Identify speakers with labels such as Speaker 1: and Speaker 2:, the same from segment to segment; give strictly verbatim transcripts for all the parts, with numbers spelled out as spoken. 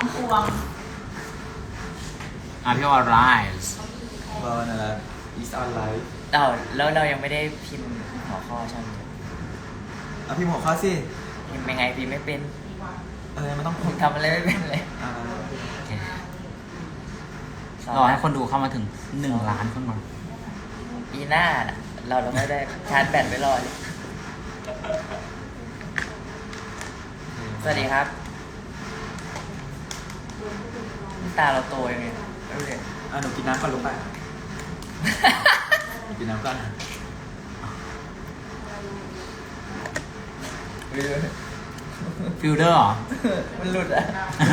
Speaker 1: พวง
Speaker 2: อ่ะพี่ว่า rise
Speaker 3: เบอร์นั่นแหละ is on live
Speaker 4: เอ้าแล้วเรายังไม่ได้พิมพ์หัวข้อใช่ไหม
Speaker 3: อ่ะพี่หมวกเข้าสิ
Speaker 4: พิมพ์ยังไงพิมพ์ไม่เป็น
Speaker 3: เออมันต้อง
Speaker 4: ผมทำอะไรไม่เป็นเลย
Speaker 3: อ่าร
Speaker 2: อให้คนดูเข้ามาถึงหนึ่งล้านคนก่อน
Speaker 4: ปีหน้าน่ะเราเราไม่ได้ชาร์จแบตไว้รอเลยสวัสดีครับตาเราโตยังไงไม่รู้เลย
Speaker 3: อ่ะหนูกินน้ำก่อนลูกไปหนูกินน้ำก่อน
Speaker 2: ฟิลเดอร์เหรอ
Speaker 4: มันหลุดอ่ะ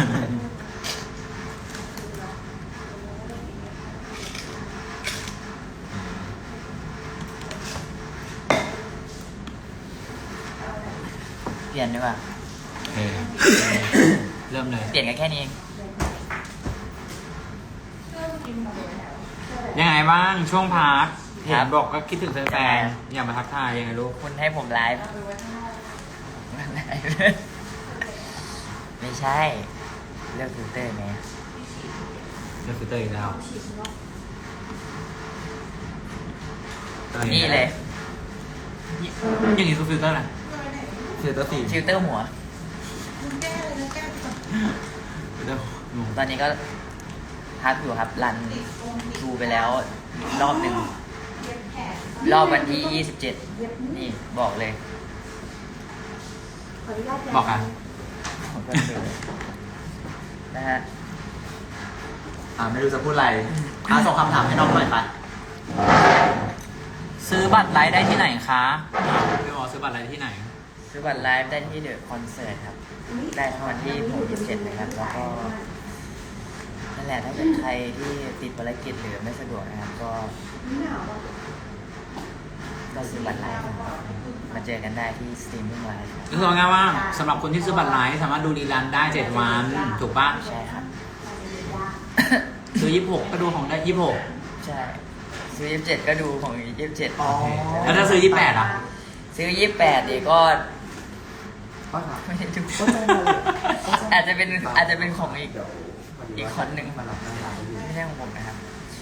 Speaker 4: เปลี่ยนดีกว่า
Speaker 2: เออเริ่มเลย
Speaker 4: เปลี่ยนกันแค่นี้เอง
Speaker 2: ยังไงบ้างช่วงพักเห็นบอกก็คิดถึงแฟนๆอยากมาทักทายยังไงลูก
Speaker 4: คุณให้ผมไลฟ์ไม่ใช่ เลือกฟิลเตอร์ไหม
Speaker 2: เลือกฟิลเตอร์อีกแล้ว
Speaker 4: นี่เลย
Speaker 2: อย่างนี้คือฟิลเตอร์อะไร
Speaker 3: เซตสี่
Speaker 4: ฟิลเตอร์หัว
Speaker 2: ฟิลเตอร์งง
Speaker 4: ตอนนี้ก็พักอยู่ครับ รันดูไปแล้วรอบหนึ่ง รอบวันที่ยี่สิบเจ็ดนี่บอกเลย
Speaker 2: บอกอ่ะ
Speaker 4: ผมก็ดูนะฮะ
Speaker 3: อ่าไม่รู้จะพูดอะไรอ่ะส่งคำถามให้น้องหน่อยไป
Speaker 2: ซื้อบัตรไลฟ์ได้ที่ไหนคะพี่บอกซื้อบัตรไลฟ์ที่ไหน
Speaker 4: ซื้อบัตรไลฟ์ได้ที่เดอะคอนเสิร์ตครับ ได้ทั้งวันที่ผมยี่สิบเจ็ดนะครับ แล้วก็นั่นแหละถ้าเกิดใครที่ติดภารกิจหรือไม่สะดวกนะครับ ก็ก็ซื้อบัตรไลฟ์นะครับมาเจอกันได้ที่สตรีมมิ่งไลฟ์ครับ
Speaker 2: ก็คือง่ายๆว่าสำหรับคนที่ซื้อบัตรไลฟ์สามารถดูรีลันได้เจ็ดวันถูกปะ
Speaker 4: ใช่ครับ
Speaker 2: ซื้อยี่สิบหกก็ดูของได้ยี่สิบหก
Speaker 4: ใช่ซื้อยี่สิบเจ็ดก็ดูของยี่สิบเจ็ด
Speaker 3: อ๋อ
Speaker 2: แล้วถ้าซื้อยี่สิบแปดอ่ะ
Speaker 4: ซื้อยี่สิบแปดดีก็
Speaker 3: ก็ถาม
Speaker 4: ไม่ได้ดูอาจจะเป็นอาจจะเป็นของอีกอีกคนหนึ่ง
Speaker 3: มาหลับหน้าร้าน
Speaker 4: ไม่ใช่ของผมนะครับ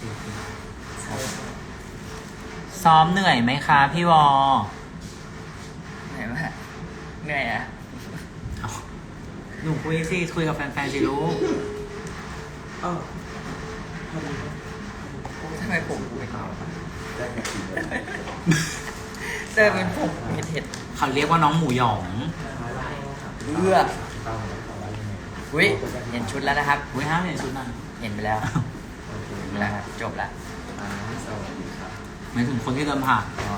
Speaker 2: ซ้อมเหนื่อยไหมคะพี่วอ
Speaker 4: เหนื่อยมากเหนื่อยอ่ะ
Speaker 2: หนูคุยสิคุยกับแฟนๆสิลูก
Speaker 3: เออพอดี
Speaker 4: ทำไมผมคุย
Speaker 3: เอาได้แค่กินเลย
Speaker 4: เจอเป็นผมเห็ดเห็ด
Speaker 2: เขาเรียกว่าน้องหมูหยอง
Speaker 4: เบื่ออุ้ยเห็นชุดแล้วนะครับ
Speaker 2: อุ้ยห้ามเห็นชุดนั้น
Speaker 4: เห็นไปแล้วเห็นไปแล้วครับจบละ
Speaker 3: อ่าสวัสดีครับ
Speaker 2: หมายถึงคนที่เดินผ่าน
Speaker 4: อ๋อ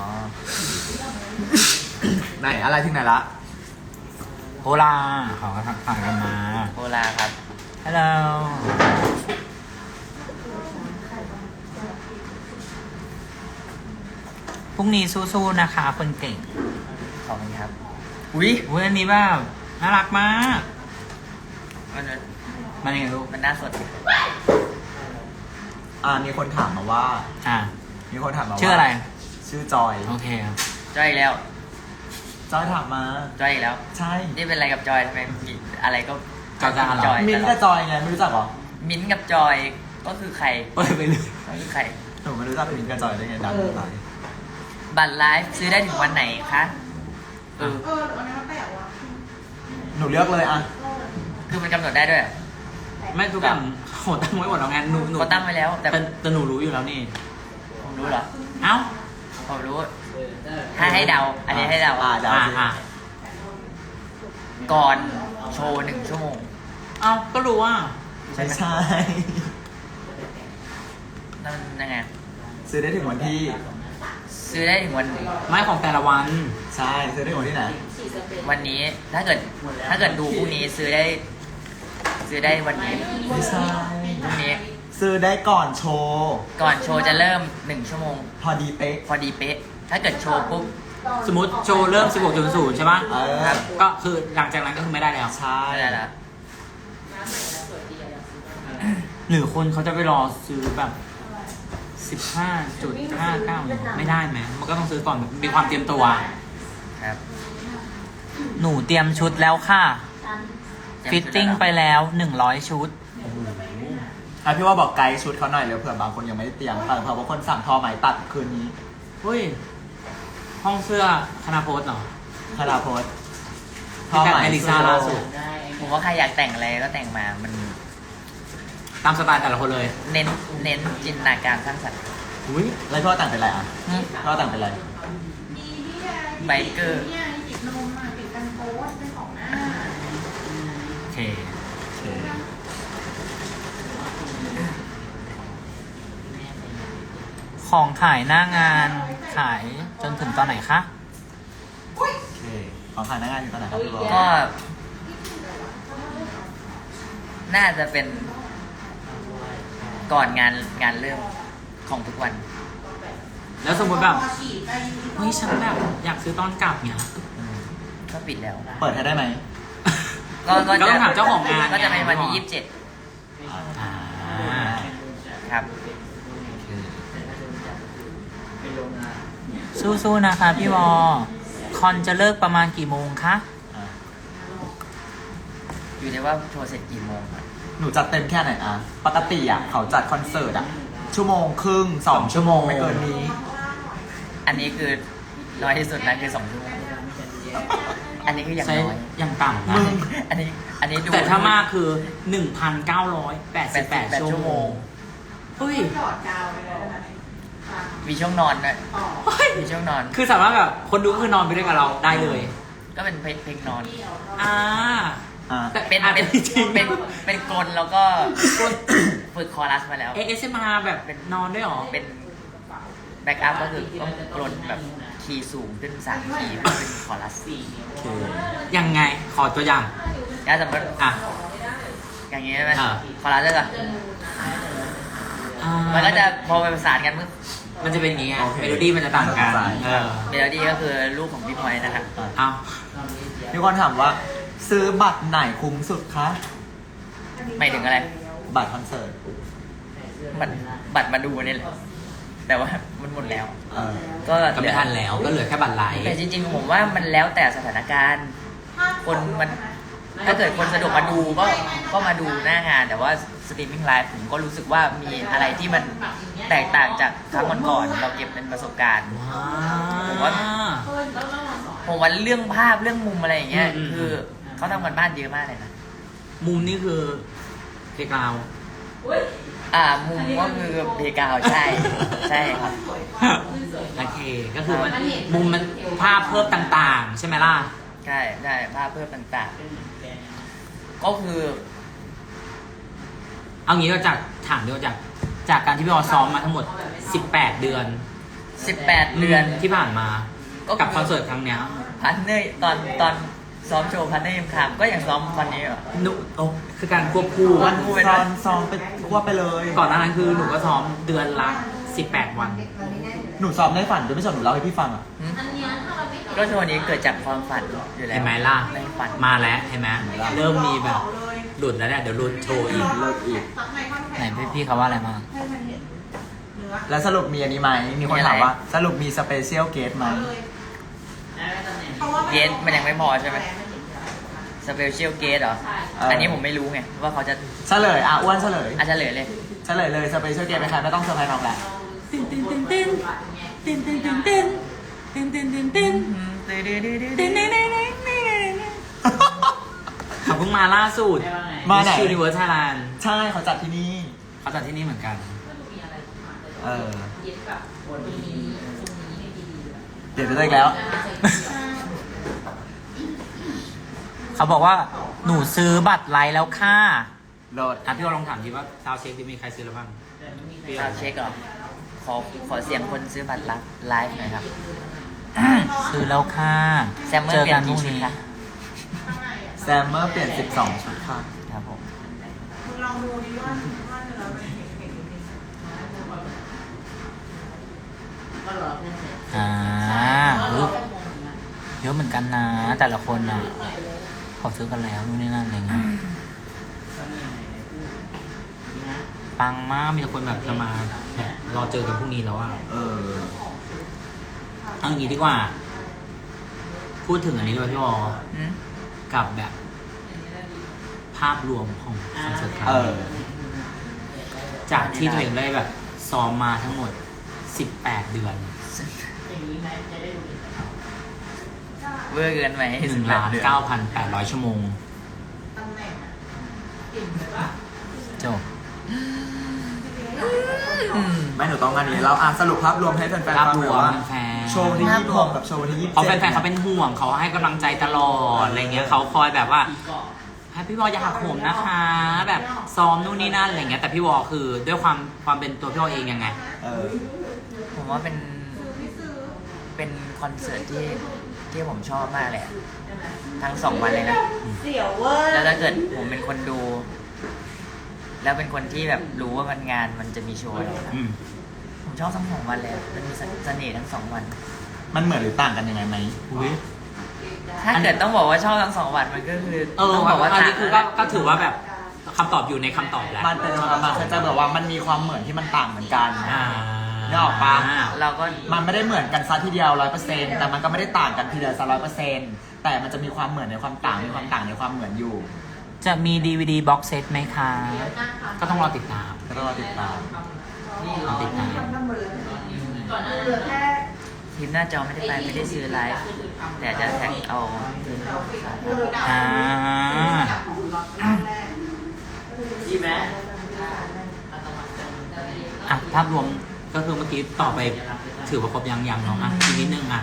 Speaker 3: ไหนอะไรถึงไหนละ
Speaker 2: โฮลาเขาก็ทักทายกันมา
Speaker 4: โอลาครับ
Speaker 2: ฮัลโหลพรุ่งนี้สู้ๆนะคะคนเก่ง
Speaker 4: ขอบคุณครับอุ้ย
Speaker 2: อุ้ยอันนี้แบบน่ารักมาก
Speaker 4: มัน
Speaker 2: มันยังไงลูก
Speaker 4: มันน่าสดดิ
Speaker 3: อ่ามีคนถามมาว่า
Speaker 2: อ่ะ
Speaker 3: มีคนถามมาว่า
Speaker 2: ชื่ออะไร
Speaker 3: ชื่อจอย
Speaker 2: โอเคครับ
Speaker 4: จอยอีกแล้ว
Speaker 3: จอยถามมา
Speaker 4: จอยอีกแล้ว
Speaker 3: ใช่
Speaker 4: นี่เป็นอะไรกับจอยทำไมมีอะไรก็
Speaker 2: จอยจะอะไร
Speaker 4: จอย
Speaker 3: มินท์กับจอยไงไม่รู้จักเหรอ
Speaker 4: มิ้นท์กับจอยก็คือใคร
Speaker 2: เปิดไปเลย
Speaker 4: ก็คือใคร
Speaker 3: หนูไม่รู้จักมินท์กับจอยได้ไงดังตาย
Speaker 4: บัตรไลฟ์ซื้อได้ถึงวันไหนคะเออ
Speaker 1: เออแต่วันนั้นมันแปลกว่ะ
Speaker 3: หนูเลือกเลยอ่ะ
Speaker 4: คือมันกำหนดได้ด้วยเหรอ
Speaker 2: ไม่ทุกอย่างโหตั้งไว้หมดแล้วไงหนูหนู
Speaker 4: เขาตั้งไว้แล้ว แต่
Speaker 2: แต่แต่หนูรู้อยู่แล้วนี่
Speaker 4: ผมรู้เหรอ
Speaker 2: เอ้า
Speaker 4: ผมรู้ ถ้าให้เดา อันนี้ให้เดา
Speaker 3: อ่าเดา
Speaker 2: อ่า
Speaker 3: สิ
Speaker 2: อ่า
Speaker 4: ก่อนโชว์หนึ่งชั่วโมง
Speaker 2: เอ้าก็รู้ว่า
Speaker 3: ไม่ใช่
Speaker 4: นั่นยังไง
Speaker 3: ซื้อได้ถึงวันที่
Speaker 4: ซื้อได้ถึงวัน
Speaker 2: ไม่ของแต่ละวัน
Speaker 3: ใช่ซื้อได้ถึงวันที่ไหน
Speaker 4: วันนี้ ถ้าเกิด ถ้าเกิดดูพรุ่งนี้ซื้อได้ ซื้อได้วันนี้
Speaker 3: ไม่ใช่
Speaker 4: พรุ่งนี้
Speaker 3: ซื้อได้ก่อนโชว์
Speaker 4: ก่อนโชว์จะเริ่มหนึ่งชั่วโมง
Speaker 3: พอดีเป๊ะ
Speaker 4: พอดีเป๊ะ ถ้าเกิดโชว์ปุ๊บ
Speaker 2: สมมติโชว์เริ่ม สิบหกจุดศูนย์ ใช่ปะ
Speaker 3: เออ
Speaker 4: ครับ
Speaker 2: ก็คือหลังจากนั้นก็คือไม่ได้แล้ว
Speaker 3: ใช่
Speaker 4: ไม่ได้แล้ว
Speaker 2: หรือคนเขาจะไปรอซื้อแบบ สิบห้าจุดห้าเก้า ไม่ได้ไหมมันก็ต้องซื้อก่อนมีความเตรียมตัว
Speaker 4: ครับ
Speaker 2: หนูเตรียมชุดแล้วค่ะฟิตติ้งไปแล้วหนึ่งร้อยชุด
Speaker 3: อ่ะพี่ว่าบอกไกด์ชุดเขาหน่อยเร็วเผื่อบางคนยังไม่ได้เตรียมแต่เผื่อบางคนสั่งทอไหมตัดคืนนี้
Speaker 2: เฮ้ย ห้องเสื้อคณะโพสเหรอ
Speaker 3: คาราโพส
Speaker 2: ที่แบบเอลิซาล่าสุด
Speaker 4: ผมว่าใครอยากแต่งอะไรก็แต่งมา มัน
Speaker 2: ตามสไตล์แต่ละคนเลย
Speaker 4: เน้นเน้นจินตนาการสร้างสรรค์
Speaker 3: อุ้ยแล้วพี่ว่าแต่งเป็นอะไรอ่ะพี่ว่าแต่งเป็นอะไร
Speaker 4: ไบเกอร์
Speaker 1: เนี่ยติดนมอ่ะติดกันโป๊สเป็นของหน้า
Speaker 2: โอเค
Speaker 3: โอเค
Speaker 2: ของขายหน้างานขายจนถึงตอนไหนคะ
Speaker 3: โอเคของขายหน้างานอยู่ตอนไหนครับพี่บอล
Speaker 4: ก็ น่าจะเป็น ก่อนงานงานเริ่มของทุกวัน
Speaker 2: แล้วสมมติแบบ
Speaker 1: พอฉีดไป
Speaker 2: เฮ้ยฉันแบบอยากซื้อตอนกลับเนี่ย
Speaker 4: ก็ปิดแล้ว
Speaker 3: เปิดให้ได้ไหม
Speaker 4: ก็ก็
Speaker 2: ก็ต้องถามเจ้าของงาน
Speaker 4: ก็จะเป็นวันที่ยี่สิบเจ็ด
Speaker 2: อ่า
Speaker 4: ครับ
Speaker 2: สู้ๆนะคะพี่วอ คอนจะเลิกประมาณกี่โมงคะ
Speaker 3: อ่ะ
Speaker 4: อยู่ในว่าโชว์เสร็จกี่โมงครับ
Speaker 3: หนูจัดเต็มแค่ไหนอ่ะปกติอ่ะเขาจัดคอนเสิร์ตอ่ะชั่วโมงครึ่งสองชั่วโมงไม่เกินนี้
Speaker 4: อันนี้คือน้อยที่สุดนะคือสองชั่วโมง อันนี้คืออย่าง
Speaker 2: ใช้
Speaker 4: น้อย
Speaker 2: อย่างต่ำนะ
Speaker 3: มึง
Speaker 4: อันนี้ อันนี้ดู
Speaker 2: แต่ถ้ามากคือ หนึ่งพันเก้าร้อยแปดสิบแปด
Speaker 4: แปด
Speaker 2: ชั่วโมงเฮ้ย
Speaker 1: หยอดกาวไปเลยนะคะ
Speaker 4: มีช่วงนอนด้วย
Speaker 1: ต่อ
Speaker 4: มีช่วงนอน
Speaker 2: คือสามารถแบบคนดูคือนอนไปด้วยกับเราได้เลย
Speaker 4: ก็เป็นเพลงเพลงนอน
Speaker 2: อ่า
Speaker 3: อ่ะ
Speaker 2: แต่
Speaker 4: เป็น
Speaker 2: อาจ
Speaker 4: เป็
Speaker 2: จะ
Speaker 4: น
Speaker 2: จริง
Speaker 4: เป็นเป็นกลแล้วก็ ฝึกคอรัสมาแล้ว
Speaker 2: เอสเอ็มอาร์แบบนอนด้วยเหรอ
Speaker 4: เป็นแบ็กอัพก็คือต้องกลแบบคีย์สูงขึ้นสามคีย์เพื่อเป็นคอรัส
Speaker 3: โอเค
Speaker 2: ยังไง ขอตัวอย่าง
Speaker 4: ถ้าสมมติ
Speaker 2: อ่ะ
Speaker 4: อย่างนี้ใช่ไหม
Speaker 2: อ่า
Speaker 4: คอรัสจะ
Speaker 2: อ่า
Speaker 4: มันก็จะพอไปประสานกันมึง
Speaker 2: มันจะเป็นอย่างงี้ไงเมโลดี้มันจะต่างกันเออ
Speaker 4: เมโลดี้ก็คือลูกของพี่พลอยนะครับ
Speaker 2: เอา
Speaker 3: มีคนถามว่า ซื้อบัตรไหนคุ้มสุดคะ
Speaker 4: ไม่ถึงอะไร
Speaker 3: บัตรคอนเสิร์ต
Speaker 4: บัตรบัตรมาดูนี่แหละแต่ว่ามันหมดแล้ว
Speaker 3: เออ
Speaker 4: ก็
Speaker 2: ก็ไม่ทันแล้วก็เหลือแค่บัตรไลท์
Speaker 4: แต่จริงๆผมว่ามันแล้วแต่สถานการณ์ คนมันถ้าเกิดคนสะดวกมาดูก็ก็มาดูหน้างาน แต่ว่าสตรีมมิ่งไลฟ์ผมก็รู้สึกว่ามีอะไรที่มันแตกต่างจากครั้งก่อนๆเราเก็บเป็นประสบการณ์ ผมว่า ผมว่าเรื่องภาพเรื่องมุมอะไรอย่างเงี้ย
Speaker 2: อืมอืม
Speaker 4: คือเขาทำกันบ้านเยอะมากเลยนะ
Speaker 2: มุมนี่คือเพกาว
Speaker 4: อ่ามุมก็คือเพกาวใช่ ใช่ครับ
Speaker 2: โอเค ก็คือมันมุมมันภาพเพิ่มต่างๆ ใช่ไหมล่ะ
Speaker 4: ใช่ใช่ภาพเพิ่มต่างๆ ก็คือ
Speaker 2: เอางี้ก็จากถามด้วยจากจากการที่พี่ออซ้อมมาทั้งหมด สิบแปด เดือน
Speaker 4: สิบแปด เดือน
Speaker 2: ที่ผ่านมา
Speaker 4: ก็คือ
Speaker 2: กับคอนเสิร์ตครั้งเนี้ย
Speaker 4: พันเนอร์ตอนตอนซ้อมโชว์พันเนอร์ยังถามก็ยังซ้อมวันนี้เหรอ
Speaker 2: หนูโอ้คือการควบคู่
Speaker 4: วั
Speaker 3: วัน น
Speaker 4: คู่ไป
Speaker 3: ซ
Speaker 4: ด้วย
Speaker 3: อนซองไปควบไปเลย
Speaker 2: ก่อนหน้านั้นคือหนูก็ซ้อมเดือนละสิบแปด วัน
Speaker 3: หนูซ้อมในฝันด้วยไม่ใช่หนูเล่าให้พี่ฟังอ่ะ
Speaker 4: หืมก็โชว์นี้เกิดจากความฝันอยู่แล้ว
Speaker 2: เห็นไหมล่ะ
Speaker 4: ในฝัน
Speaker 2: มาแล้วเห็นไหมเริ่มมีแบบหลุดแล้วเนี่ยเดี๋ยวหลุดโชว์อีก
Speaker 3: เลิกอีก
Speaker 1: ซักในข้าว
Speaker 2: ไหนพี่พี่เขาว่าอะไรบ้าง
Speaker 1: ให้มันเห็นเนื้อ
Speaker 3: แล้วสรุปมีอันนี้ไหม มีคนถามว่า สรุปมีสเปเชียลเกสไหม
Speaker 1: เพราะว่า
Speaker 4: เกสมันยังไม่พอใช่ไหมสเปเชียลเกสเหรอ อันนี้ผมไม่รู้ไงว่าเขาจะ
Speaker 3: เฉลย อ่ะอ้วนเฉลย
Speaker 4: อาจจะเหลือเลย
Speaker 3: เฉลยเลยสเปเชียลเกสเป็นใครไม่ต้องเซอร์ไพรส์น้องแหละ
Speaker 2: ตินตินตินตินตินตินตินตินตินตินตินตินตินตินตินตินเขาเพิ่งมาล่าสุด
Speaker 3: มาไหน
Speaker 2: ยูนิเวิร์สไทยแลนด์
Speaker 3: ใช่เขาจัดที่นี่
Speaker 2: เขาจัดที่นี่เหมือนกัน
Speaker 3: เออ เดี๋ยวจะได้อีกแล้ว
Speaker 2: เขาบอกว่าหนูซื้อบัตรไลน์แล้วค่ะ
Speaker 3: โหลด
Speaker 2: อ่ะพี่ว่าลองถามดีว่าซาวเช็คที่มีใครซื้อแล้วบ้าง
Speaker 4: ซาวด์เช็คเหรอ ขอขอเสียงคนซื้อบัตรไลฟ์หน่อยครับ
Speaker 2: ซื้อแล้วค่ะ
Speaker 4: แซมเมอร์
Speaker 2: เจอ
Speaker 4: เปลี่
Speaker 2: กั
Speaker 4: ย
Speaker 2: น
Speaker 4: น
Speaker 2: พรุ่
Speaker 4: กี่
Speaker 2: ง
Speaker 4: ชุด
Speaker 2: นี้
Speaker 4: คะ
Speaker 3: แซมเมอร์เปลี่ยนสิบสองชุดค่ะ
Speaker 4: ครับผม
Speaker 1: มึงลองดูดิว่าว่าเนื้อมันเห็นเห็นจริง
Speaker 2: อ่าอุ๊ยเยอะเหมือนกันนะ แต่ละคนอ่ะเขาซื้อกันแล้วนู่นนี่นั่นอะไรเงี้ยปังมากมีแต่คนแบบจะมาแบบรอเจอกันพรุ่งนี้แล้วอ่ะ
Speaker 3: เออ
Speaker 2: เอาอย่างนี้ดีกว่า พูดถึงอันนี้ด้วยพี่วอ
Speaker 4: อืม
Speaker 2: กับแบบาพรวมของคอนเสิร์ตครั้ง
Speaker 3: เออ
Speaker 2: นี้จากที่ตัวเองได้แบบซ้อมมาทั้งหมดสิบแปดเดือน
Speaker 4: เวอร์เกินไหม
Speaker 2: หนึ่งล้านเก้าพันแปดร้อยชั่วโมง
Speaker 1: ตำแหน่งอะกลิ่นเลยป่ะ
Speaker 2: จบ
Speaker 4: อืม
Speaker 3: ไม่หนูต้องอันนี้เราอ่านสรุปภาพรวมให้แฟนๆ
Speaker 2: ภา
Speaker 3: ฟั
Speaker 2: พ
Speaker 3: ง
Speaker 2: ร
Speaker 3: หน่อ
Speaker 2: วย ม
Speaker 3: ว่า
Speaker 2: แฟน
Speaker 3: โชว์วันที่ยี่สิบหกกับโชว์วันที่ยี่สิบ
Speaker 2: เพราะ
Speaker 3: เจ็ด
Speaker 2: แฟนๆเขาเป็นห่วงเขาให้กำลังใจตลอดอะไรเงี้ยเขาคอยแบบว่าให้พี่วออย่าหักโหมนะคะ แบบซ้อมนู่นนี่นั่นอะไรเงี้ยแต่พี่วอคือด้วยความความเป็นตัวพี่วอเองยังไง
Speaker 3: เออ
Speaker 4: ผมว่าเป็น
Speaker 1: ไม่ซื้อ
Speaker 4: เป็นคอนเสิร์ตที่ที่ผมชอบมากเลยอะทั้งสองวันเลยนะ
Speaker 1: เสียวเวอร์
Speaker 4: แล้วถ้าเกิดผมเป็นคนดู แล้วเป็นคนที่แบบรู้ว่ามันงานมันจะมีโชว์อะไรนะ
Speaker 2: อืม
Speaker 4: ผมชอบทั้งสองวันเลยอะมันมีเสน่ห์ทั้งสองวัน
Speaker 3: มันเหมือนหรือต่างกันยังไงไหม
Speaker 2: อุ้ย
Speaker 4: ถ้าเกิดต้องบอกว่าชอบทั้งสองวันมันก็คือ
Speaker 2: เออ
Speaker 4: ต้องบอกว่า
Speaker 2: อัน
Speaker 4: ต่าง
Speaker 2: นี้คือก็ก็ถือว่าแบบคำตอบอยู่ในคำตอบแหละ
Speaker 3: มันเป็นประมาณคือจะแบบว่ามันมีความเหมือนที่มันต่างเหมือนกัน
Speaker 2: อ่า
Speaker 3: นึกออกปะ
Speaker 4: เราก็
Speaker 3: มันไม่ได้เหมือนกันซะทีเดียวร้อยเปอร์เซ็นต์แต่มันก็ไม่ได้ต่างกันทีเดียวซะร้อยเปอร์เซ็นต์แต่มันจะมีความเหมือนในความต่างมีความต่างในความเหมือนอยู่
Speaker 2: จะมี ดี วี ดี บ็อกเซตไหมคะ ก็ต้องรอติดตาม
Speaker 3: ก็ต้องรอติดตาม
Speaker 2: รอติดตาม
Speaker 1: เหลือแค่
Speaker 4: ทีมหน้าจอไม่ได้ไปไม่ได้ซื้อไลฟ์แต่จะแท็กเอา
Speaker 2: อ่า
Speaker 4: ดีไหม
Speaker 2: อ่ะภาพรวมก็คือเมื่อกี้ต่อไปถือว่าครบยังยังเนาะอ่ะอีกนิดนึงอ่ะ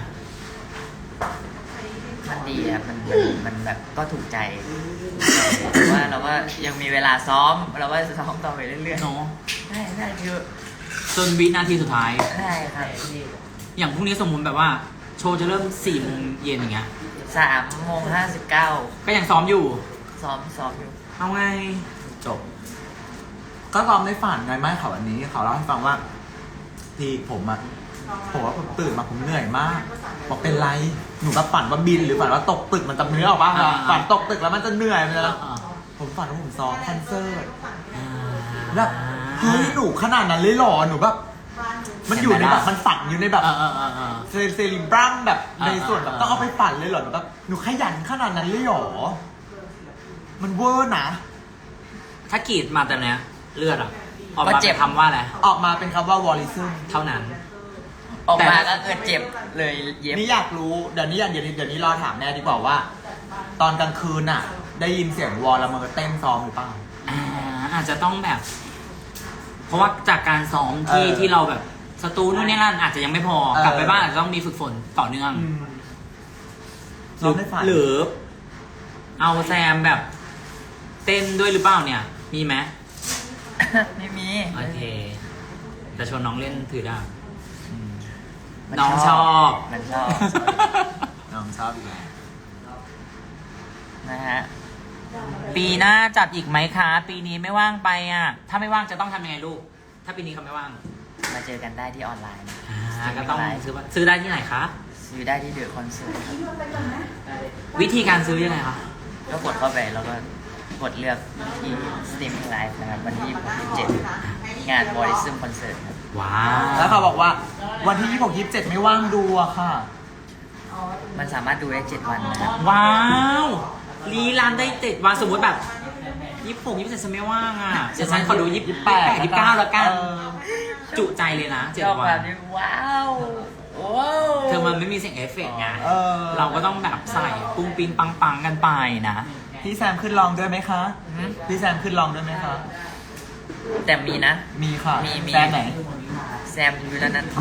Speaker 4: มันดีครับมันมันมันแบบก็ถูกใจแต่ว่าเราก็ยังมีเวลาซ้อมเราก็ซ้อมต่อไปเรื่อย
Speaker 2: เนาะ
Speaker 4: ๆได้ได้คือ
Speaker 2: จนวินาทีสุดท้าย
Speaker 4: ได้ครับ
Speaker 2: อย่างพรุ่งนี้สมมุติแบบว่า โชว์จะเริ่มสี่โมงเย็นอย่างเงี้ย
Speaker 4: สามโมงห้าสิบเก้า
Speaker 2: ก็ยังซ้อมอยู่
Speaker 4: ซ้อมซ้อมอยู่
Speaker 2: เอาไง
Speaker 3: จบ ก็ซ้อมในฝันไงไม่เขาวันนี้เขาเล่าให้ฟังว่าพี่ผมอะผมว่าผมตื่นมาผมเหนื่อยมากบอกเป็นไรหนูก็ฝันว่าบินหรือฝันว่าตกตึกมันจะเนื้อออกปะ
Speaker 2: อ่า
Speaker 3: ฝันตกตึกแล้วมันจะเหนื่อยมันจะ
Speaker 2: อ่า
Speaker 3: ผมฝันว่าผมซ้อมคอนเสิร์ต
Speaker 2: อ่า
Speaker 3: แบบเฮ้ยหนูขนาดนั้นเลยเหรอหนูแบบมันอยู่ในแบบมันฝันอยู่ในแบบ
Speaker 2: เออเออเออเออ
Speaker 3: เซเซริบรัมแบบ
Speaker 2: อ่า
Speaker 3: ในส่วนแบบ
Speaker 2: อ่า
Speaker 3: ต้องเอาไปฝันเลยเหรอหนูแบบหนูขยันขนาดนั้นเลยเหรอมันเวอร์นะ
Speaker 2: ถ้ากรีดมาแต่เนี้ยเลือดอ่ะออกมาเป็นคำว่าอะไร
Speaker 3: ออกมาเป็นคำว่าวอลลิซึม
Speaker 2: เท่านั้น
Speaker 4: ออก
Speaker 2: แต่
Speaker 4: มาก็เกิดเจ็บเลยเย็บ
Speaker 3: นี่อยากรู้เดี๋ยวนี้เดี๋ยวนี้เดี๋ยวนี้รอถามแม่ดีกว่าว่า ตอนกลางคืนน่ะ ได้ยินเสียงวอลละเมอเต้นซ้อมหรือเปล่า
Speaker 2: อ่าอาจจะต้องแบบ เพราะว่าจากการซ้อมที่
Speaker 3: เออ
Speaker 2: ที่เราแบบสตูนู่นนี่นั่นอาจจะยังไม่พอ
Speaker 3: เออ
Speaker 2: กลับไปบ้านอาจจะต้องมีฝึกฝนต่อเนื่อง
Speaker 3: อืม
Speaker 2: ห
Speaker 3: ซ้
Speaker 2: รือ
Speaker 3: อมในฝัน
Speaker 2: หรือ เอาแซมแบบ เต้นด้วยหรือเปล่าเนี่ย มีไหม
Speaker 4: ไม่มี
Speaker 2: โอเคแต่ชวนน้องเล่นถือดาบ
Speaker 3: ม
Speaker 4: มัน
Speaker 2: น้องชอบ
Speaker 4: มันชอบ
Speaker 3: น้องชอบอีกแล้ว
Speaker 4: นะฮะ
Speaker 2: ปีหน้าจัดอีกไหมคะ ปีนี้ไม่ว่างไปอ่ะ ถ้าไม่ว่างจะต้องทำยังไงลูก ถ้าปีนี้เขาไม่ว่าง
Speaker 4: มาเจอกันได้ที่ออนไลน์
Speaker 2: อ่าก็ต้องซื้อบัตรซื้อได้ที่ไหนคะ
Speaker 4: ซื้อได้ที่เดอะคอนเสิร์ตครับ
Speaker 2: วิธีการซื้อยังไงคะ
Speaker 4: ก็กดเข้าไปแล้วก็กดเลือกที่สตรีมมิ่งไลฟ์นะครับวันที่ยี่สิบเจ็ดงานบริซึมคอนเสิร์ตครับ
Speaker 2: ว้าว
Speaker 3: แล้วเขาบอกว่าวันที่ยี่สิบหก ยี่สิบเจ็ดไม่ว่างดูอะค่ะ
Speaker 4: มันสามารถดูได้เจ็ดวันนะครับ
Speaker 2: ว้าวรีรันได้เจ็ดวันสมมติแบบยี่สิบหกยี่สิบเจ็ดฉันไม่ว่างอ่ะเดี๋ยวฉันขอดูยี่สิบแปดยี่สิบเก้าแล้วกัน
Speaker 3: เออ
Speaker 2: จุใจเลยนะเจ็ด
Speaker 4: ชอบ
Speaker 2: วั
Speaker 4: แบ
Speaker 2: น
Speaker 4: บนี้ว้าวว้าว
Speaker 2: เธอมันไม่มีเสียงเอฟเฟกต์ไง
Speaker 3: เออ
Speaker 2: เราก็ต้องแบบใส่ปุ้งปิงปังปังกันไปนะ
Speaker 3: พี่แซมขึ้นลองด้วยไหมคะ
Speaker 4: หืม
Speaker 3: พี่แซมขึ้นลองด้วยไหมคะ
Speaker 4: แต่มีนะ
Speaker 3: มีค่ะ
Speaker 4: มีมี
Speaker 3: แซมไหน
Speaker 4: แซมอยู่แล้วนั้น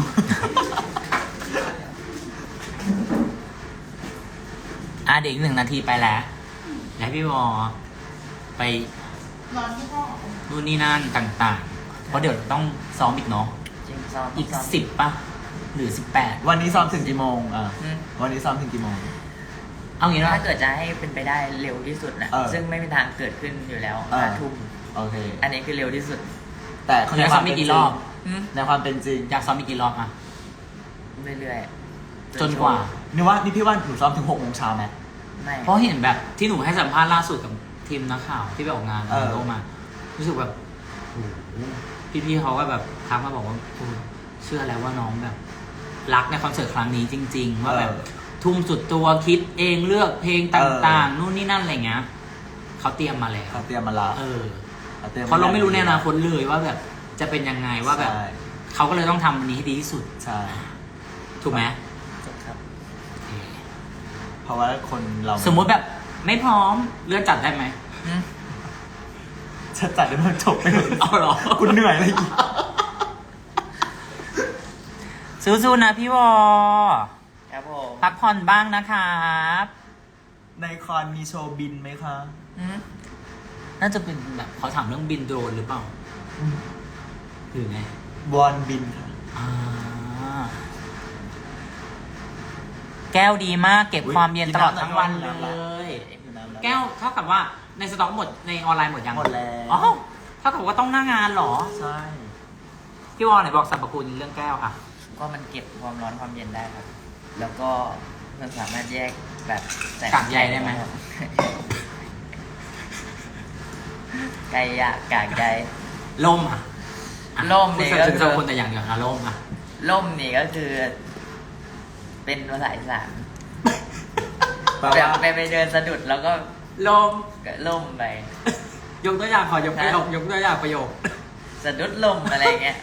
Speaker 2: อ่ะเด็กหนึ่งนาทีไปแล้วแล้วพี่วอไป
Speaker 1: นอนที่ห้อง
Speaker 2: นู่นนี่นั่นต่างๆ เพราะเดี๋ยวต้องซ้อมอีกเนาะ
Speaker 4: จริงซ้อม
Speaker 2: อีก
Speaker 4: ซ้ม
Speaker 2: สิบป่ะ หรือสิบแปด
Speaker 3: วันนี้ซ้อมถึงกี่โมงอ่ะ
Speaker 4: อืม
Speaker 3: วันนี้ซ้อมถึงกี่โมง
Speaker 2: เอางี้นะ
Speaker 4: ถ้าเกิดจะให้เป็นไปได้เร็วที่สุดนะ
Speaker 3: เออ
Speaker 4: ซึ่งไม่มีทางเกิดขึ้นอยู่แล้ว
Speaker 3: เออ
Speaker 4: ห้าทุ่ม
Speaker 3: โอเค
Speaker 4: อันนี้คือเร็วที่สุด
Speaker 3: แต่
Speaker 2: อยากซ้อมอีกกี่รอบ
Speaker 4: หืม
Speaker 3: ในความเป็นจริง
Speaker 2: อยากซ้อมอีกกี่รอบอ่ะ
Speaker 4: เรื่อยๆ
Speaker 2: จนกว่า
Speaker 3: นี่ว่านี่พี่ว่าหนูซ้อมถึงหกโมงเช้าไหม
Speaker 4: ไม่
Speaker 2: เพราะเห็นแบบที่หนูให้สัมภาษณ์ล่าสุดกับทีมนักข่าวที่ไปออกงาน
Speaker 3: เออ
Speaker 2: โลกมา รู้สึกแบบโอ้โหพี่ๆเขาก็แบบทักมาบอกว่าโอ้เชื่อแล้วว่าน้องแบบ รักในคอนเสิร์ตครั้งนี้จริง ๆ ว่าแบบ
Speaker 3: เออ
Speaker 2: ทุ่มสุดตัวคิดเองเลือกเพลงต่างๆ นู่นนี่นั่นอะไรเงี้ยเขาเตรียมมาแล้ว
Speaker 3: เขาเตรียมมาละ
Speaker 2: เออ
Speaker 3: เขาเตรียม
Speaker 2: เพราะเราไม่รู้ในอนาคตเลยว่าแบบจะเป็นยังไงว่าแบบ
Speaker 3: ใช่
Speaker 2: เขาก็เลยต้องทำวันนี้ให้ดีที่สุด
Speaker 3: ใช่
Speaker 2: ถูกไหม
Speaker 4: ครับ
Speaker 2: โอเค
Speaker 3: เพราะว่าคนเรา
Speaker 2: สมมุติแบบไม่พร้อมเลื่อนจัดได้ไหม
Speaker 4: อืม
Speaker 3: จะจัดได้มันจบไปเลย
Speaker 2: เอาเหรอ
Speaker 3: คุณเหนื่อยอะไรอีก
Speaker 2: สู้ๆนะพี่วอ
Speaker 4: ครับผม
Speaker 2: พักผ่อนบ้างนะครับ
Speaker 3: ในคอนมีโชว์บินไหมคะ
Speaker 4: อืม
Speaker 2: น่าจะเป็นแบบเขาถามเรื่องบินโดรนหรือเปล่าหรือไง
Speaker 3: วอนบินค่ะ
Speaker 2: อ่าแก้วดีมากเก็บ
Speaker 3: อุ๊ย
Speaker 2: ความเย็นตลอดทั้งวัน
Speaker 3: กินน้ำ
Speaker 2: เล
Speaker 3: ละ
Speaker 2: ย
Speaker 3: อยู่น้ำละ
Speaker 2: แก้วเท่ากับว่าในสต็อกหมดในออนไลน์หมดยัง
Speaker 3: หมดแล้ว
Speaker 2: อ๋อเท่ากับว่าต้องหน้างานเหรอ
Speaker 3: ใช่
Speaker 2: พี่วอไหนบอกสรรพคุณเรื่องแก้วอ่ะ
Speaker 4: ก็มันเก็บความร้อนความเย็นได้ครับ แล้วก็มันสามารถแยกแบบใส่
Speaker 2: กากใยได้ไหม
Speaker 4: ไก่ยากกากใย
Speaker 2: ล่มอ่ะอ่ะ
Speaker 4: ล่มเนี่
Speaker 2: นี่
Speaker 4: ยก็
Speaker 2: ถึง
Speaker 4: คือ
Speaker 2: สรรพคุณแต่อย่างเดียวนะล่มอ่ะ
Speaker 4: ล่มนี่ก็คือ เป็นภาษาอีสาน
Speaker 3: แปล
Speaker 4: แบบ
Speaker 3: ว่า
Speaker 4: ไปไปเดินสะดุดแล้วก็
Speaker 2: ลม
Speaker 4: ก็ล่มไป
Speaker 2: ยกตัวอย่างขอยกประโยคยกตัวอย่างประโยค
Speaker 4: สะดุดลมอะไรเงี้ย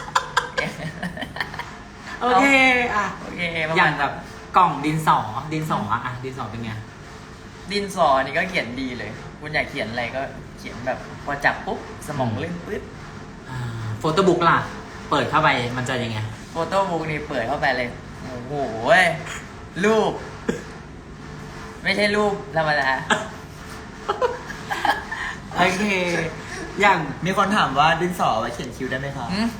Speaker 2: โอเคอ่ะ
Speaker 4: โอเคประ
Speaker 2: อ
Speaker 4: มา
Speaker 2: ย่า
Speaker 4: ณ
Speaker 2: งแบบกล่องดินสอดินสออ่ะอ่ะดินสอเป็นไง
Speaker 4: ดินสอนี่ก็เขียนดีเลย คุณอยากเขียนอะไรก็เขียนแบบพอจับปุ๊บสมองเล่นปึ๊ด
Speaker 2: อ่าโฟโต้บุ๊กล่ะ เปิดเข้าไปมันจะยังไง
Speaker 4: โฟโต้บุ๊กนี่เปิดเข้าไปเลย โอ้โหเว้ยรูป ไม่ใช่รูปธรรมดา
Speaker 2: โอเค อย่าง
Speaker 3: มีคนถามว่าดินสอไว้เขียนคิ้วได้ไหมคะ
Speaker 4: หืม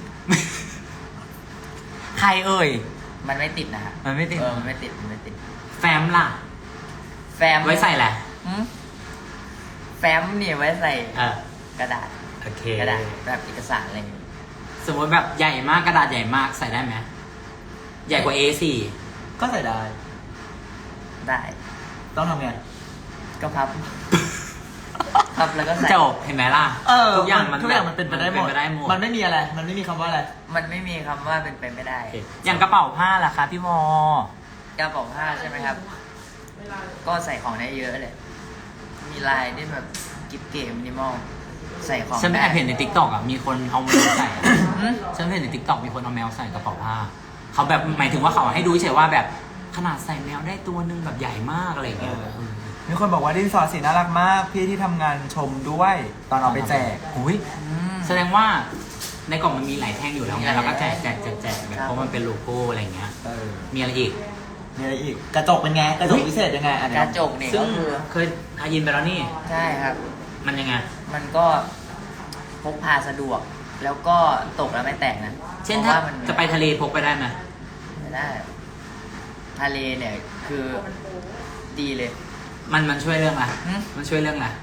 Speaker 2: ใครเอ่ย
Speaker 4: มันไม่ติดนะฮะ
Speaker 2: มันไม่ติด
Speaker 4: เออมันไม่ติดมันไม่ติด
Speaker 2: แฟ้มล่ะ
Speaker 4: แฟ้ม
Speaker 2: ไว้ใส่แหละ
Speaker 4: หืมแฟ้มนี่ไว้ใส่
Speaker 2: เออก
Speaker 4: ระดาษ
Speaker 2: โอเค
Speaker 4: กระดาษแบบเอกสารอะไรอย่างเงี้ย
Speaker 2: สมมติแบบใหญ่มากกระดาษใหญ่มากใส่ได้ไหมใหญ่กว่า เอ โฟร์
Speaker 3: ก็ใส่ได้
Speaker 4: ได้
Speaker 3: ต้องทำไง
Speaker 4: ก็พับ พับแล้วก็ใส่
Speaker 2: จบเห็นไหมล่ะ
Speaker 3: เออ
Speaker 2: ทุกอย่างมัน
Speaker 3: ทุกอย่างมันเป็นไปได้หมด
Speaker 2: เป็นไปได้หมด
Speaker 3: มันไม่มีอะไร มันไม่มีคำว่าอะไร
Speaker 4: มันไม่มีคำว่าเป็นไปไม่ได้
Speaker 2: โอเคอย่างกระเป๋าผ้าล่ะคะพี่วอก
Speaker 4: ระเป๋าผ้าใช่ไหมครับ
Speaker 1: เวลา
Speaker 4: ก็ใส่ของได้เยอะเลย มีลายที่แบบกิ๊บเก๋มินิมอล ใส่ของ
Speaker 2: ฉันไม่
Speaker 4: ได้
Speaker 2: แอบเห็นในทิกตอกอ่ะมีคนเอาแมวใส่อะ
Speaker 4: หืม
Speaker 2: ฉันเห็นในทิกตอกมีคนเอาแมวใส่กระเป๋าผ้าเขาแบบหมายถึงว่าเขาให้ดูเฉยว่าแบบขนาดใส่แมวได้ตัวนึงแบบใหญ่มากอะไรอย่างเงี้ย
Speaker 3: เออ
Speaker 2: เออ
Speaker 3: มีคนบอกว่าดินสอสีน่ารักมาก พี่ที่ทำงานชมด้วย ตอนเอาไปแจก
Speaker 2: อุ้ย
Speaker 4: อืม
Speaker 2: แสดงว่าในกล่องมันมีหลายแท่งอยู่แล้ว
Speaker 4: มี
Speaker 2: ไง
Speaker 4: หลาย
Speaker 2: เราก็แจกแจกแจกแจกแบบ
Speaker 4: ครับ
Speaker 2: เพราะมันเป็นโลโก้อะไรอย่างเงี้ย
Speaker 3: เออ
Speaker 2: มีอะไรอีก
Speaker 3: มีอะไรอีก กระจกเป็นไง กระจกพิเศษยังไงอัน
Speaker 4: ก
Speaker 3: นี้
Speaker 4: ระจกนี่
Speaker 2: ซึ่ง
Speaker 4: ก็คือ
Speaker 2: เคยอายินไปแล้วนี่
Speaker 4: ใช่ครับ
Speaker 2: มันยังไง
Speaker 4: มันก็พกพาสะดวก แล้วก็ตกแล้วไม่แตกนะ
Speaker 2: เช่น
Speaker 4: พ
Speaker 2: ถ้า
Speaker 4: ราะว่มัน
Speaker 2: จะไปทะเลพกไปได้ไหม
Speaker 4: ไม่ได้ ทะเลเนี่ยคือดีเลย
Speaker 2: มันมันช่วยเรื่องอะไร
Speaker 4: หืม
Speaker 2: มันช่วยเรื่องอะไร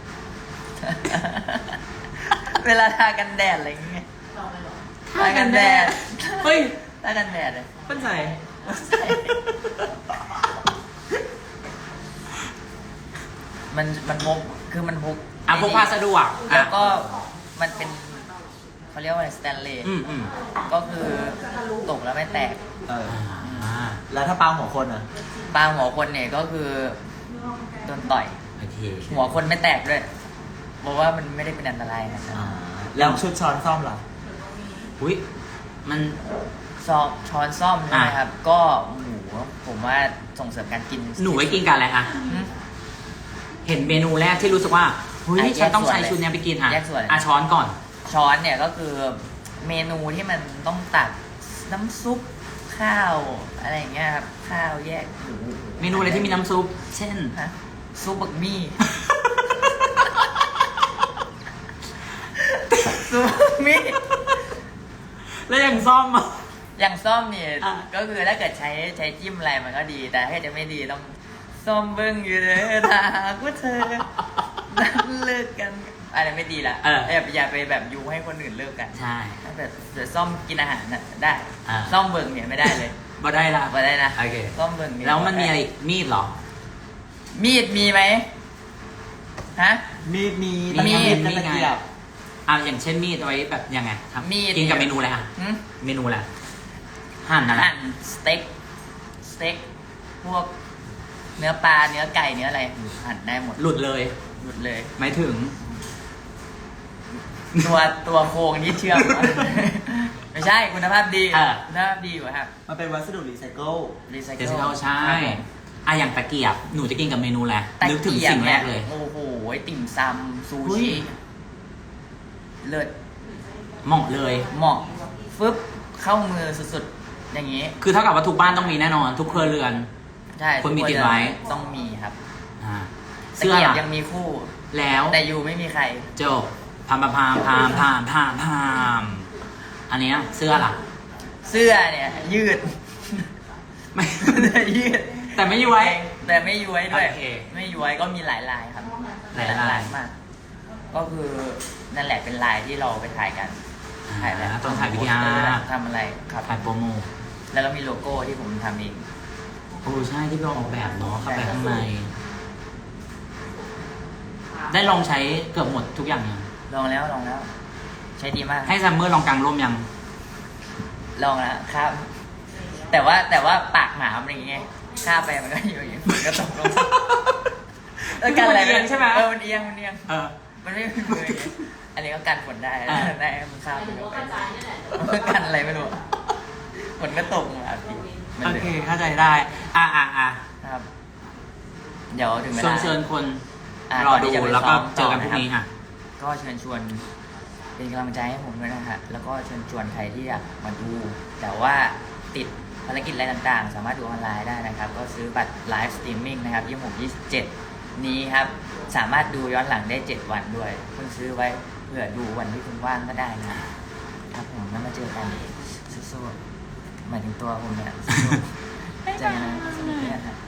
Speaker 4: เวลาทากันแดดอะไรอย่างเงี้ย
Speaker 1: ต่อไปหรอ
Speaker 4: ทากันแดด
Speaker 2: เฮ้ย
Speaker 4: ทากันแดดเลย
Speaker 2: เพิ่นใส่
Speaker 4: มันมันพกคือมันพก
Speaker 2: อ่ะพกพาสะดวก
Speaker 4: แล้
Speaker 2: อ่ะ
Speaker 4: วก็มันเป็นเขาเรียกว่าอะไรสแตนเลส
Speaker 2: อืมอืม
Speaker 4: ก็คือตกแล้วไม่แตก
Speaker 3: เออ
Speaker 2: อ่า
Speaker 3: แล้วถ้าปาหัวคนอ่ะ
Speaker 4: ปลาหัวคนเนี่ยก็คือโดนต่อย
Speaker 2: โอเค
Speaker 4: หัวคนไม่แตกด้วยเพราะว่ามันไม่ได้เป็นอันตรายนะครับ
Speaker 3: อ่า แล้วชุดช้อนซ่อมล่ะ
Speaker 2: อุ้ยมัน
Speaker 4: ซอช้อนซ่อมใช่ไหม
Speaker 2: อ่ะ
Speaker 4: ครับ ก็หมูผมว่าส่งเสริมการกิน
Speaker 2: หนูไว้กินกันอะไรอ่ะ
Speaker 4: อืม
Speaker 2: เห็นเมนูแรกที่รู้สึกว่าเฮ้ย
Speaker 4: อ่ะ
Speaker 2: ฉันต้อง
Speaker 4: แยกส่วน
Speaker 2: ใช้ชุดเนี้ยไปกินอ่ะ
Speaker 4: แยกส่วน
Speaker 2: อ่ะช้อนก่อน
Speaker 4: ช้อนเนี่ยก็คือเมนูที่มันต้องตักน้ำซุปข้าวอะไรอย่างเงี้ยครับข้าวแยกหมู
Speaker 2: เมนูอะไรที่มีน้ำซุป เช่น
Speaker 4: ฮะซุปบักมี่ ซุปบักมี่
Speaker 2: แล้วอย่างซ่อมอ่ะ
Speaker 4: อย่างส้มเนี่ย
Speaker 2: อ่ะ
Speaker 4: ก็คือถ้าเกิดใช้ใช้จิ้มอะไรมันก็ดี แต่ถ้าจะไม่ดีต้องส้มเบิ้งอยู่เลยถ้าหากว่าเธอนั้นเลิกกันอะไรไม่ดีละ
Speaker 2: เออ
Speaker 4: อย่าอย่าไปแบบยูให้คนอื่นเลิกกัน
Speaker 2: ใช่
Speaker 4: ถ้าแบบเดี๋ยวส้มกินอาหารน่ะได้
Speaker 2: อ่า
Speaker 4: ส้มเบิ้งเนี่ยไม่ได้เลย
Speaker 2: บ่ได้ละ
Speaker 4: มาได้นะ
Speaker 2: โอเค
Speaker 4: ส้มเบิ้งเย
Speaker 2: แล้วมันมีอะไรอีกมีดเหรอ
Speaker 4: มีดมีไหมฮะ
Speaker 3: มีดมี
Speaker 2: มี
Speaker 3: มี
Speaker 2: ด
Speaker 3: ด
Speaker 2: มี
Speaker 3: ตะ
Speaker 2: ไง
Speaker 3: เกียบ
Speaker 2: อ่ะอย่างเช่นมีดเอาไว้แบบยังไงครับ
Speaker 4: มีด
Speaker 2: กินกับเมนูอะไรอ่ะ
Speaker 4: หึ
Speaker 2: เมนูอะไรหั่นนะ
Speaker 4: หั่นสเต็กสเต็กพวกเนื้อปลาเนื้อไก่เนื้ออะไรหั่นได้หมด
Speaker 2: หลุดเลย
Speaker 4: หลุดเลย
Speaker 2: ไม่ถึง
Speaker 4: ตัวตัวโครงที่เชื่อม ไม่ใช่คุณภาพดี
Speaker 2: เออ
Speaker 4: คุณภาพดีกว่าครับ
Speaker 3: มันเป็นวัสดุรีไซเคิล
Speaker 4: รีไซ
Speaker 2: เดี๋
Speaker 4: เคิ
Speaker 2: ยว
Speaker 4: ล
Speaker 2: จะเข้าใช่อ่ะอย่างตะเกียบหนูจะกินกับเมนูแหละไรนึกถึง
Speaker 4: ตะเยบ
Speaker 2: สิ่งแรกเลย
Speaker 4: โอ้โหติ่มซำซู
Speaker 2: เฮ้ย
Speaker 4: ชิเลิศ
Speaker 2: เหมาะเลย
Speaker 4: เหมาะฟึบเข้ามือสุดๆ อย่างนี้
Speaker 2: คือเท่ากับว่าทุกบ้านต้องมีแน่นอน ทุกครัวเรือน
Speaker 4: ใช่
Speaker 2: คนมี
Speaker 4: ทุก
Speaker 2: ติดไว้
Speaker 4: ต้องมีครับ
Speaker 2: อ่า
Speaker 4: ตะ
Speaker 2: เสื้อ
Speaker 4: เกียบ
Speaker 2: ล่ะ
Speaker 4: ยังมีคู่
Speaker 2: แล้ว
Speaker 4: แต่อยู่ไม่มีใคร
Speaker 2: จบพามพามพามพามพามพามพามอันเนี้ยเสื้อล่ะ
Speaker 4: เสื้อเนี่ยยืด
Speaker 2: ไม่
Speaker 4: ยืด
Speaker 2: แต่ไม่ย้วย
Speaker 4: แต่ไม่ย้วยด้วย
Speaker 2: โอเค
Speaker 4: ไม่ย้วยก็มีหลายลายครับ
Speaker 2: หลายลาย
Speaker 4: มาก ก็คือนั่นแหละเป็นลายที่เราไปถ่ายกันถ่ายแบบ
Speaker 2: อ่าต้องถ่ายวิดีอาร์
Speaker 4: ทำอะไรครับ
Speaker 2: ถ่ายโปรโมท
Speaker 4: แล้วก็มีโลโก้ที่ผมทำเอง
Speaker 2: โอ้ใช่ที่เราออกแบบเนาะเข้าไปข้างใน ได้ลองใช้เกือบหมดทุกอย่างยัง
Speaker 4: ลองแล้วลองแล้ว ใช้ดีมาก
Speaker 2: ให้ซัมเมอร์ลองกางร่มยัง
Speaker 4: ลองแล้วครับ แต่ว่าแต่ว่าปากหมามันอย่างเงี้ยข้าไปมันก็อยู่อย่างเงี้ยมันก็ตกลงเออกันอะไร
Speaker 2: มันเอียงใช่ไหม
Speaker 4: เออมันเอียงมันเอียง
Speaker 2: เออ
Speaker 4: มันไม่มีมืออย่างเงี้ยอันนี้ก็กันฝนได้
Speaker 2: อ่า
Speaker 4: ได้มันข้ามไปแล้วมันกันอะไรไม่รู้ฝนก็ตกมาพี่มัน
Speaker 2: โอ
Speaker 4: เลย
Speaker 2: เคเข้าใจได้ อ่ะอ่ะอ่ะ
Speaker 4: ครับ เดี๋ยวถึงเว
Speaker 2: เชิญ
Speaker 4: ลา
Speaker 2: เชิญคน
Speaker 4: ะ
Speaker 2: รอ
Speaker 4: ก่น
Speaker 2: ดู
Speaker 4: ที่จะไป
Speaker 2: แล้วก็
Speaker 4: ซ้ม
Speaker 2: เจอกันพรุ่งนี้
Speaker 4: ต่
Speaker 2: ค่ะ
Speaker 4: ก็เชิญชวนเป็นกำลังใจให้ผมด้วยนะฮะ แล้วก็เชิญชวนใครที่อยากมาดู แต่ว่าติดภารกิจอะไรต่างๆ สามารถดูออนไลน์ได้นะครับ ก็ซื้อบัตรไลฟ์สตรีมมิ่งนะครับยี่สิบหก ยี่สิบเจ็ดนี้ครับ สามารถดูย้อนหลังได้เจ็ดวันด้วยเพิ่งซื้อไว้เผื่อดูวันที่คุณว่างก็ได้นะครับผมแล้วมาเจอกันสู้ๆหมายถึงตัวผมเนี่ยสู้ๆเจอกันนะสวัสดีครับ